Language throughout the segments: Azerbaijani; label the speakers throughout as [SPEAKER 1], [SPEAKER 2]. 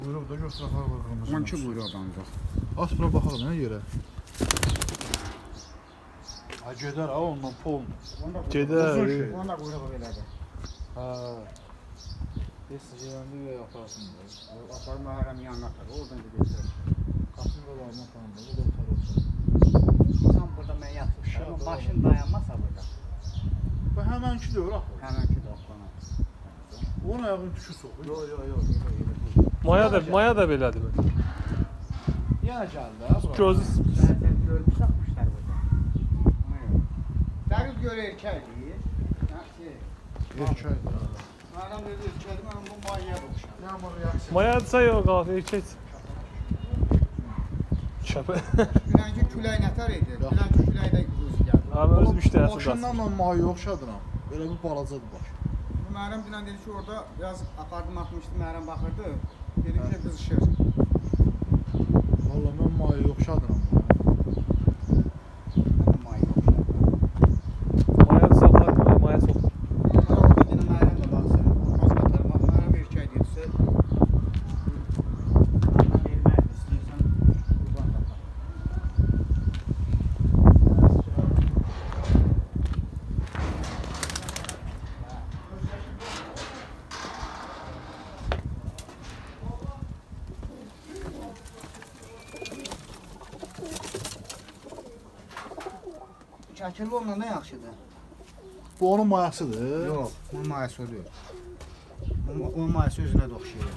[SPEAKER 1] Buyruq da götür axar var qırmızı.
[SPEAKER 2] 12 buyruqdan yox.
[SPEAKER 1] As bura baxalım nə yerə. Ha gedər ha ondan pol.
[SPEAKER 3] Gedər.
[SPEAKER 1] Uzun şey.
[SPEAKER 2] Onda buyruq belədir.
[SPEAKER 1] Ha. Desəcəyəndə və aparsın.
[SPEAKER 2] Apar məhərəm yanına atar. Oradan da götürür.
[SPEAKER 1] Qapını da var falan da. Bu da tar olsun.
[SPEAKER 2] Sən burada mən yatmışam. Başın dayanmasa burada.
[SPEAKER 1] Bu həmənki deyir axı.
[SPEAKER 2] Həmənki doxlana.
[SPEAKER 1] Onun ayağını tükür soxur.
[SPEAKER 2] Yox.
[SPEAKER 3] Maya da belədir.
[SPEAKER 1] Yenə gəldi ha bura.
[SPEAKER 3] Gözü
[SPEAKER 2] Sən görmüş saxmışlar burada. Dəqiq görə erkəkdir. Yaxşı.
[SPEAKER 1] Erkəkdir.
[SPEAKER 2] Mənim dedi erkəkdir, mənim bu mayaya oxşar.
[SPEAKER 1] Yağmur reaksiya.
[SPEAKER 3] Mayadsa yox qalxır erkək. Çəpə.
[SPEAKER 2] Dünənki külək nətər idi? Dünənki küləkdə özü gəldi.
[SPEAKER 3] Abi öz müştərisi
[SPEAKER 1] Başından mən mayı oxşadıram. Elə bir balacadır baş.
[SPEAKER 2] Mənim dünən dedi ki, orada biraz apardım atmışdı, Mərim baxırdı. Dedi ki, qızışır.
[SPEAKER 1] Valla mən mayı oxşadıram.
[SPEAKER 2] Mayaya oxşar.
[SPEAKER 3] Mayad saxlar, maya çox.
[SPEAKER 2] Orada yine Mərim də baxsın. Qoz qatarım. Mərim erkək dedirsə. Mənim vermək istəyirsən. Qurban qatar. Şəkilli ondan da yaxşıdır.
[SPEAKER 1] Bu onun mayasıdır.
[SPEAKER 2] Yox, onun mayası o deyil. Onun mayası özünə də oxşayır.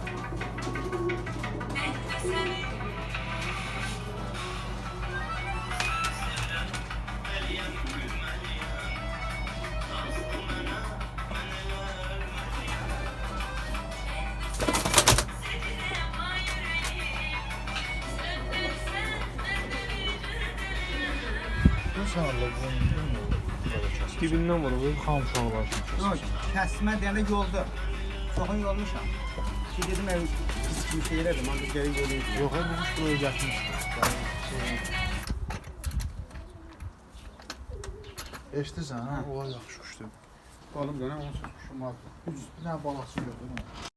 [SPEAKER 1] Sən Allah bunu
[SPEAKER 3] Dibindən vurur.
[SPEAKER 1] xam uşaqlar üçün.
[SPEAKER 2] Yox, kəsmə deyəndə yolda. Çoxun yolmuşam. Ki dedim ev pis kimi şey elədim, ancaq geri yoluydu.
[SPEAKER 1] Yox, bu kuş buraya gəlmişdir. Eşidirsən, ha? Ola yaxşı kuşdur.
[SPEAKER 2] Oğlum dönəm onsuz kuşum var.
[SPEAKER 1] Bir dənə balası gördün mü?